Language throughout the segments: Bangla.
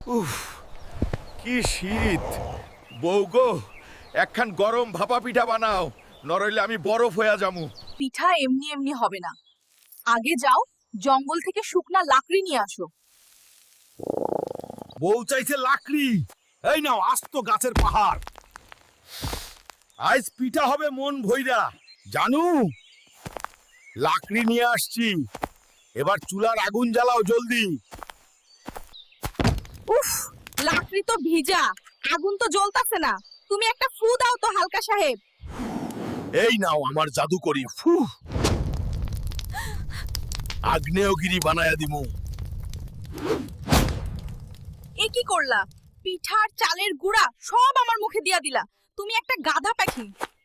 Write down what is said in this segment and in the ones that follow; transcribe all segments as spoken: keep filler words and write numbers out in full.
উফ, কি শীত! বউ গো, একখান গরম ভাপা পিঠা বানাও, নরইলে আমি বরফ হইয়া যামু। পিঠা এমনি এমনি হবে না। আগে যাও, জঙ্গল থেকে শুকনা লাকড়ি নিয়ে আসো। বউ চাইছে লাকড়ি, এই নাও আস্ত গাছের পাহাড়। আজ পিঠা হবে মন ভইরা, জানু। লাকড়ি নিয়ে আসছি, এবার চুলার আগুন জ্বালাও জলদি। উফ, লাকড়ি তো ভিজা, আগুন তো জ্বলতাছে না। তুমি একটা ফু দাও তো হালকা সাহেব। এই নাও আমার জাদু করি, ফু। আগ্নেয়গিরি বানায়া দিমু। এ কি করলা? পিঠার চালের গুঁড়া সব আমার মুখে দিয়া দিলা। তুমি একটা গাধা পাখি।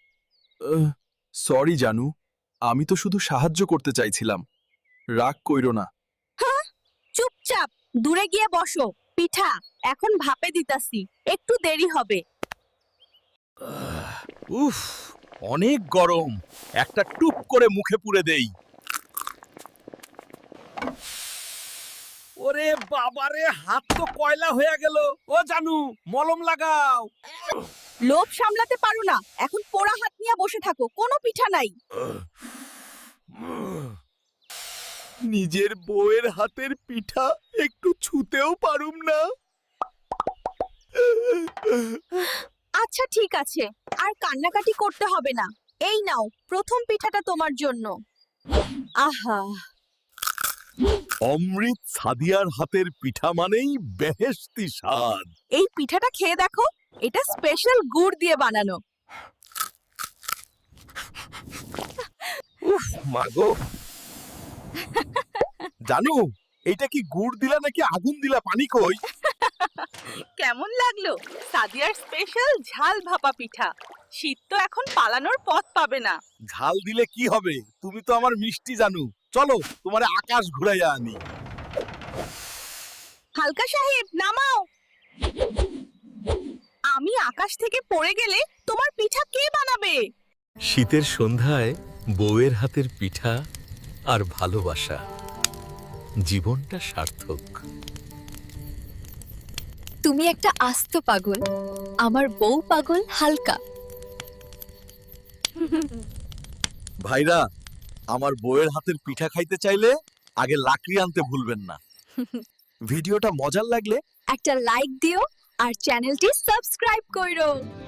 সরি জানু, আমি তো শুধু সাহায্য করতে চাইছিলাম। রাগ কইরো না। চুপচাপ দূরে গিয়ে বসো। পিঠা এখন ভাপে দিতাছি, একটু দেরি হবে। উফ, অনেক গরম, একটা টুপ করে মুখে পুরে দেই। ওরে বাবারে, হাত তো কয়লা হয়ে গেল। ও জানু, মলম লাগাও। লোভ সামলাতে পারো না, এখন পোড়া হাত নিয়ে বসে থাকো, কোনো পিঠা নাই। নিজের বউয়ের হাতের পিঠা একটু ছুতেও পারুম না। আচ্ছা ঠিক আছে, আর কান্নাকাটি করতে হবে না। এই নাও, প্রথম পিঠাটা তোমার জন্য। আহা, অমৃত সাদিয়ার হাতের পিঠা মানেই বেহেশতি স্বাদ। এই পিঠাটা খেয়ে দেখো, এটা স্পেশাল গুড় দিয়ে বানানো। উফ মাগো, জানু, এইটা কি গুড় দিলা নাকি আগুন দিলা? পানি কই? কেমন লাগলো সাদিয়ার স্পেশাল ঝাল ভাপা পিঠা? শীত তো এখন পালানোর পথ পাবে না। ঝাল দিলে কি হবে? তুমি তো আমার মিষ্টি জানু। চলো তোমারে আকাশ ঘুরাইয়া আনি। হালকা সাহেব নামাও। আমি আকাশ থেকে পড়ে গেলে তোমার পিঠা কে বানাবে? শীতের সন্ধ্যায় বউয়ের হাতের পিঠা আর ভালোবাসা, জীবনটা সার্থক। তুমি একটা আস্ত পাগল, আমার বউ পাগল হালকা। ভাইরা, আমার বউয়ের হাতের পিঠা খাইতে চাইলে আগে লাকড়ি আনতে ভুলবেন না। ভিডিওটা মজার লাগলে একটা লাইক দিও আর চ্যানেলটি সাবস্ক্রাইব করো।